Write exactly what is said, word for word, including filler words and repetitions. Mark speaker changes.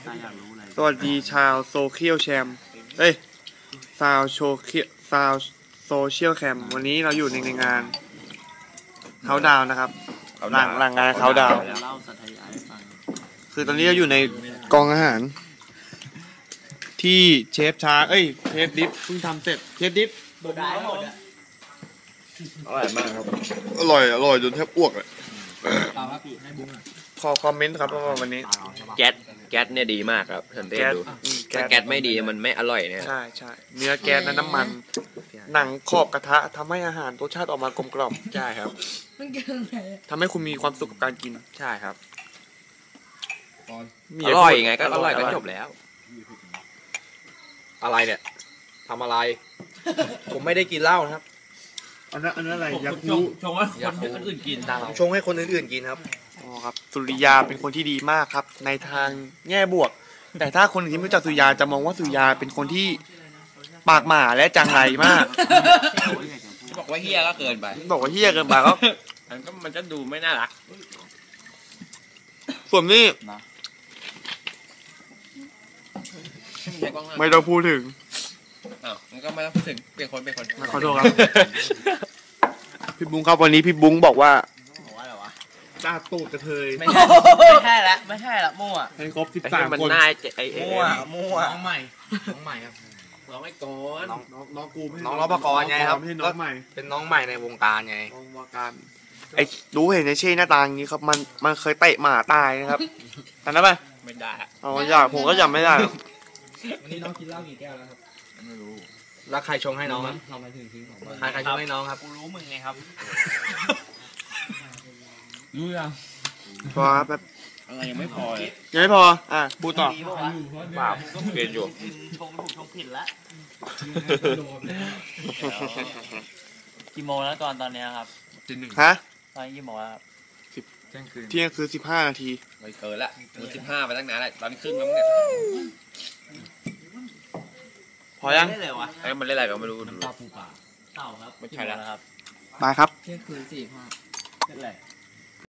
Speaker 1: สวัสดีชาวโซเชียลแชมเอ้ยชาวโชเคียชาวโซเชียลแคมวันนี้เราอยู่ในงานเขาดาวนะครับหลังหลังงานเขาดาวคือตอนนี้เราอยู่ในกองอาหารที่เชฟชาเอ้ยเชฟดิฟเพิ่งทำเสร็จเชฟดิฟ
Speaker 2: อร่อยมากครับ
Speaker 1: อร่อยอร่อยจนแทบอ้วกเลยขอคอมเมนต์ครับว่าวันนี้
Speaker 2: แก๊สแก๊สเนี่ยดีมากครับสังเกตดูถ้าแก๊สไม่ดีมันไม่อร่อยเนี่ย
Speaker 1: ใช่ใช่เนื้อแก๊สและน้ำมันหนังขอบกระทะทำให้อาหารรสชาติออกมากลมกล่อม
Speaker 2: ใช่ครับ
Speaker 1: ทำให้คุณมีความสุขกับการกิน
Speaker 2: ใช่ครับอร่อยไงก็อร่อยก็จบแล้วอะไรเนี่ยทำอะไรผมไม่ได้กินเหล้านะครับ
Speaker 1: อันนั้นอันนั้นอะไรยาคู
Speaker 3: ชงให้คนอื่นกิน
Speaker 2: ชงให้คนอื่นๆกินครับ
Speaker 1: อ๋อครับสุริยาเป็นคนที่ดีมากครับในทางแง่บวกแต่ถ้าคนที่ไม่รู้จักสุริยาจะมองว่าสุริยาเป็นคนที่ปากหมาและจังไรมาก
Speaker 2: บอกว่าเฮี้ยก็เกินไป
Speaker 1: บอกว่าเฮี้ยเกินไปก็
Speaker 2: มันก็มันจะดูไม่น่ารัก
Speaker 1: ส่วนนี้ไม่ต้องพูดถึง
Speaker 2: อ้าวมันก็ไม่ต้องพูดถึงเป็นคนเป็นคน
Speaker 1: ขอโทษครับพี่บุ้งครับวันนี้พี่บุ้งบอกว่า
Speaker 3: บอกว่าอะไรวะ
Speaker 1: จ้าตูดกระเทย
Speaker 3: ไม่ใช่ไม่ใช่ละไม่ใช่ละมั่ว
Speaker 1: ให้ครบสิบสามคน
Speaker 3: มั่วมั่วน้องใหม่น้องใหม่ครับ
Speaker 2: น้องไอ้กอน
Speaker 1: น้องน้องกู
Speaker 2: น้องรปภไงครับ
Speaker 1: น้องใหม่
Speaker 2: เป็นน้องใหม่ในวงการไง
Speaker 1: วงการไอ้รู้เห็นในเช่หน้าตาอย่างนี้ครับมันมันเคยเตะหมาตายนะครับทันได้ไหม
Speaker 2: ไม่ได้
Speaker 1: อ๋ออยากผมก็จำไม่ได้
Speaker 3: วันนี้น้องกินเหล้ากี่แก้วแล้วครับ
Speaker 2: ไม่รู้แล้วใครชงให้น้องครับ
Speaker 3: ทำไมถึงทิ้งของ
Speaker 2: ใครใครชงให้น้องครับ
Speaker 3: กูรู้มึงไงครับรู้ยัง
Speaker 1: พอครับแบบ
Speaker 2: อะไรยังไม่พอ
Speaker 1: ยังไม่พออ่ะพูดต่อ
Speaker 2: ป่าเปลี่ยนอยู่
Speaker 3: ชงถูกชงผิดแล้วกี่โมงแล้วก่อนตอนนี้ครับ
Speaker 1: ฮะ
Speaker 3: ตอนกี่โมงแล้วครับ
Speaker 1: สิบเที่ยงคือสิบห้านาที
Speaker 2: ไม่เกินละมันสิบห้าไปตั้งนานแล้วตอนนี้ครึ่งแล้วมั้งเนี่ย
Speaker 1: พอยัง
Speaker 2: ไอ้มันเล่นอะไรก็ไม่รู้
Speaker 3: เต่าปูป่าเต่าครับ
Speaker 2: ไม่ใช่แล้ว
Speaker 3: ครับ
Speaker 1: มาครับ
Speaker 3: เที่ยงคืนสี่ห้าเล่นอะไร